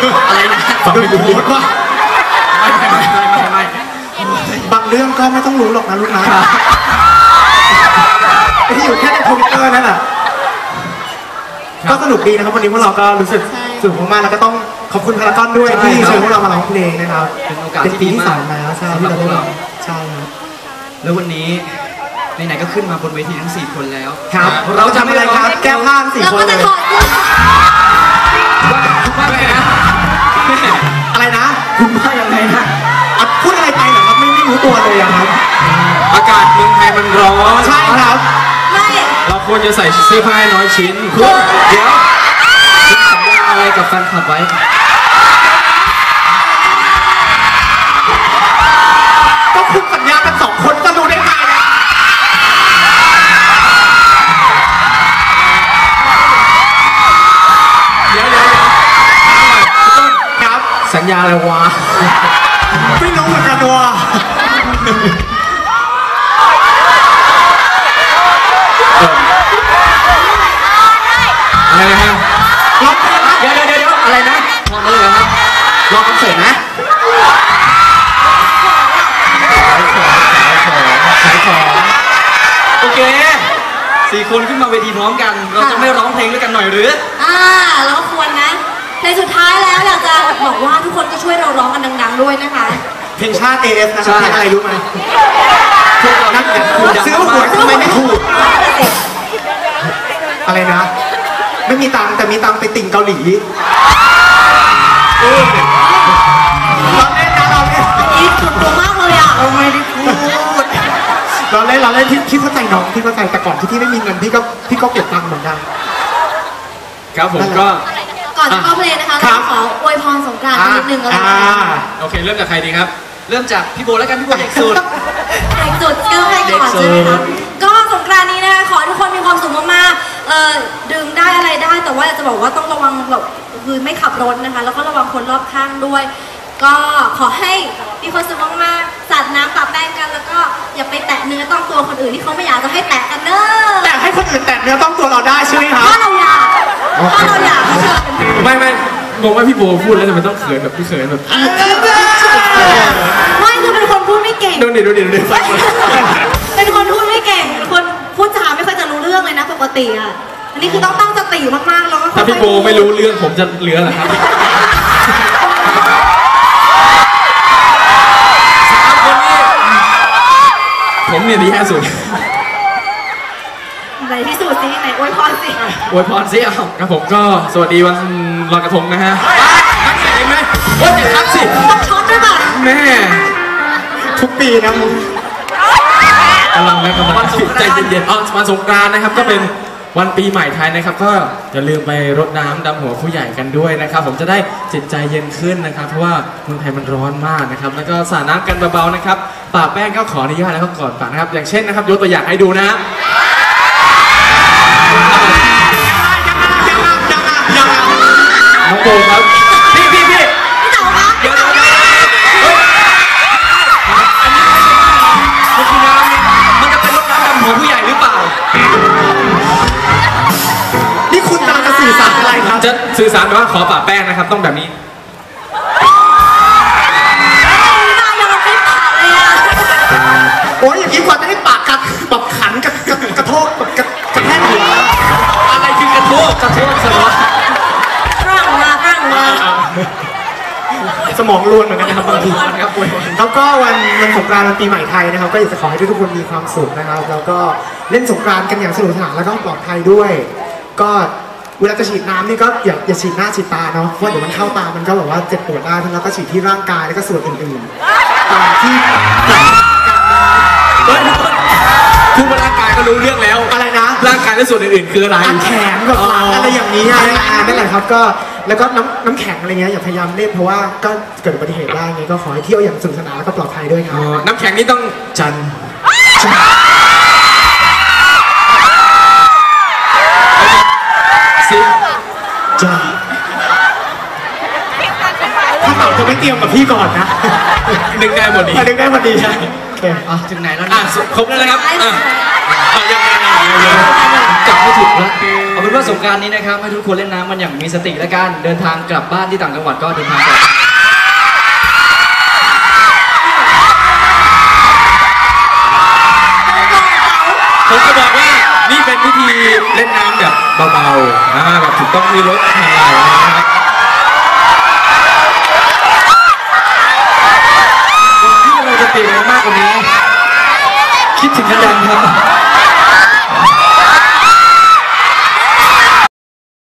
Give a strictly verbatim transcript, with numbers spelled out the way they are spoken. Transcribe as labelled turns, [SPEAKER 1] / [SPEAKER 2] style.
[SPEAKER 1] อะไรนะ
[SPEAKER 2] ฟังไม่รู้ว่า
[SPEAKER 1] ไม่ไม่ไม่ไม่ไม่
[SPEAKER 2] บางเรื่องก็ไม่ต้องรู้หรอกนะลูกนะที่อยู่แค่ในทวิตเตอร์นั่นแหละก็สนุกดีนะครับวันนี้พวกเราก็รู้สึกสนุกมากๆแล้วก็ต้องขอบคุณพารากอนด้วยที่เชิญพวกเรามาร้องเพลงนะครับ
[SPEAKER 1] เป็นโอกาสที่ดีมาก
[SPEAKER 2] แล้วใช่ที่เราพวกเราใช่ครับ
[SPEAKER 1] แล้ววันนี้ไหนๆก็ขึ้นมาบนเวทีทั้งสี่คนแล้ว
[SPEAKER 2] ครับเราจะไม่อะไรครับแก้ผ้าสี่คนเลย
[SPEAKER 1] ว่าไงนะ
[SPEAKER 2] อะไรนะ
[SPEAKER 1] คุณว่ายังไงนะ
[SPEAKER 2] พูดอะไรไปเหรอครับไม่ไม่รู้ตัวเลยครับ
[SPEAKER 3] อากาศเมืองไทยมันร้อน
[SPEAKER 2] ใช่ครับ
[SPEAKER 4] ไม่
[SPEAKER 3] เราควรจะใส่เสื้อผ้าน้อยชิ้นเพื่อเดี๋ยว
[SPEAKER 1] คุณสัญญาอะไรกับแฟนคลับไว้
[SPEAKER 2] ก็คุณสัญญากันสองคนจะรู้ได้ไงนะ
[SPEAKER 3] เดี๋ยวเดี๋ยวเดี๋ยวต้น
[SPEAKER 2] ครับ
[SPEAKER 3] สัญญาอะไรวะ
[SPEAKER 2] ไม่รู้เหมือนกันว่ะ
[SPEAKER 3] อะไรนะฮะ
[SPEAKER 2] ล็อก
[SPEAKER 1] เดี๋ยวเดี๋ยวเดี๋ยวอะไรนะมองเลยเหรอครับรอคอนเสิร์ตนะ
[SPEAKER 3] ขายของ
[SPEAKER 1] โอเคสี่คนขึ้นมาเวทีพร้อมกันเราจะไม่ร้องเพลงด้วยกันหน่อยหรือ
[SPEAKER 4] อ่าเราก็ควรนะในสุดท้ายแล้วอยากจะบอกว่าทุกคนก็ช่วยเราร้องกันดังๆด้วยนะคะ
[SPEAKER 2] เพลงชาติ เอ เอฟ นะครับเพลงอะไรรู้ไหม
[SPEAKER 1] พวกเรานั่งกัน
[SPEAKER 2] ซื้อหวยทำไมไม่ถูกอะไรนะไม่มีตังค์แต่มีตังค์ไปติ่งเกาหลีเราเล่นนะเราเล่น
[SPEAKER 4] นี่สุดตัวมากเลยอ่ะ
[SPEAKER 2] เราไม่ได้พูดเราเล่นเราเล่นพี่เข้าใจน้องพี่เข้าใจแต่ก่อนที่พี่ไม่มีเงินพี่ก็พี่ก็เก็บตังค์เหมือนกัน
[SPEAKER 3] ครับผมก็
[SPEAKER 4] ก่อนจะเข้าเพลงนะคะเราขออวยพรสงกรานต์นิดนึงแล้วกัน
[SPEAKER 3] โอเคเริ่มจากใครดีครับ
[SPEAKER 1] เริ่มจากพี่โบแล้วกันพี่โบเด็กสุด
[SPEAKER 4] เด็กสุดก็ให้ก่อนใช่ไหมคะก็สงกรานต์นี้นะคะขอให้ทุกคนมีความสุขมากๆเอ่อดื่มได้อะไรได้แต่ว่าจะบอกว่าต้องระวังแบบคือไม่ขับรถนะคะแล้วก็ระวังคนรอบข้างด้วยก็ขอให้มีความสุขมากๆสาดน้ำปะแป้งกันแล้วก็อย่าไปแตะเนื้อต้องตัวคนอื่นที่เขาไม่อยากจะให้แตะกันเนอะ
[SPEAKER 2] แต่ให้คนอื่นแตะเนื้อต้องตัวเราได้ใช่ไหมครับ
[SPEAKER 4] ถ้าเราอยากถ้าเราอยาก
[SPEAKER 3] ไม่ไม่งงว่าพี่โบพูดแล้วทำไมต้องเขินแบบพี่เขินแบบ
[SPEAKER 4] ไม่คือเป็นคนพูดไม่เก่ง
[SPEAKER 3] ดูดิดูดิดูดิ
[SPEAKER 4] เป็นคนพูดไม่เก่งเป็นคนพูดจาไม่ค่อยจะรู้เรื่องเลยนะปกติอ่ะอันนี้คือต้องตั้งสติมากๆแล้วก็
[SPEAKER 3] ถ้าพี่โบไม่รู้เรื่องผมจะเหลือเหรอครับสามคนนี้ผมเนี่ยดีแค่สุด
[SPEAKER 4] ไหนที่สุดสิไหนอวยพรสิ
[SPEAKER 3] อวยพรสิเอาครับผมก็สวัสดีวันลอยกระทงนะฮะนักเห็นไหมว่าจะทักสิ
[SPEAKER 4] ต้องช็อตด้วยป่ะ
[SPEAKER 3] แม่
[SPEAKER 2] ทุกปีนะมึง
[SPEAKER 3] กำลังนะกำลังใจเย็นๆอ๋อวันสงกรานต์นะครับก็เป็นวันปีใหม่ไทยนะครับก็อย่าลืมไปรดน้ำดำหัวผู้ใหญ่กันด้วยนะครับผมจะได้จิตใจเย็นขึ้นนะครับเพราะว่าเมืองไทยมันร้อนมากนะครับแล้วก็สาดน้ำกันเบาๆนะครับปะแป้งก็ขออนุญาตแล้วก็ก่อนปะนะครับอย่างเช่นนะครับยกตัวอย่างให้ดูนะน้องโบครับพี่พี่พี่
[SPEAKER 4] พี่เต๋าคะ
[SPEAKER 1] เดี๋ยวเดี๋ยวเดี๋ยวเฮ้ยอันนี้มันคือน้ำมันจะเป็นรถน้ำดำหัวผู้ใหญ่หรือเปล่า
[SPEAKER 2] นี่คุณกำลังจะสื่อสารอะไรครับ
[SPEAKER 3] จะสื่อสารว่าขอปะแป้งนะครับต้องแบบนี้
[SPEAKER 2] โอ้ยอย่างนี้กว่าจะได้ปากกัดแบบขันกับกระโทกแบบกระแทกหัว
[SPEAKER 1] อะไรคือกระโทกกระโทกสมอง
[SPEAKER 4] ร่างมาร่างมา
[SPEAKER 2] สมองล้วนเหมือนกันนะครับบางทีครับแล้วก็วันวันสงกรานต์วันปีใหม่ไทยนะครับก็อยากจะขอให้ทุกคนมีความสุขนะครับแล้วก็เล่นสงกรานต์กันอย่างสนุกสนานแล้วก็ปลอดภัยด้วยก็เวลาจะฉีดน้ำนี่ก็อย่าอย่าฉีดหน้าฉีดตาเนาะเพราะเดี๋ยวมันเข้าตามันก็แบบว่าเจ็บปวดได้แล้วก็ฉีดที่ร่างกายแล้วก็ส่วนอื่นๆตามที่
[SPEAKER 3] คือร่างกายก็รู้เรื่องแล้ว
[SPEAKER 2] อะไรนะ
[SPEAKER 3] ร่างกายและส่วนอื่นๆคืออะไร
[SPEAKER 2] แขนกับหลังอะไรอย่างนี้นั่นแหละครับก็แล้วก็น้ำน้ำแข็งอะไรเงี้ยอย่าพยายามเล่นเพราะว่าก็เกิดอุบัติเหตุได้ไงก็ขอให้เที่ยวอย่างสนุกสนานแล้วก็ปลอดภัยด้วยครับ
[SPEAKER 3] น้ำแข็งนี่ต้องจันสิ
[SPEAKER 2] จันถ้าเต่าเธอไม่เตรียมกับพี่ก่อนนะ
[SPEAKER 3] นึกได้พอดี
[SPEAKER 2] นึกได้พอดีใช่โอเค
[SPEAKER 1] อ่ะถึงไหนแล้ว
[SPEAKER 3] อ่ะ
[SPEAKER 1] นะ
[SPEAKER 3] ครบแล้วนะครับอ่ะอ่ะยังไงยังไง
[SPEAKER 1] กลับไม่ถูกแล้วเอาเป็นว่าสงกรานต์นี้นะครับให้ทุกคนเล่นน้ำมันอย่างมีสติและกันเดินทางกลับบ้านที่ต่างจังหวัดก็เดินทางปลอดภัย
[SPEAKER 3] ผมจะบอกว่านี่เป็นวิธีเล่นน้ำแบบเบาๆอ่าแบบถูกต้องมีรถทางไหลนะครับที่เราจะเปลี่ยนมากกว่านี้
[SPEAKER 1] คิดถึงกันยังครับ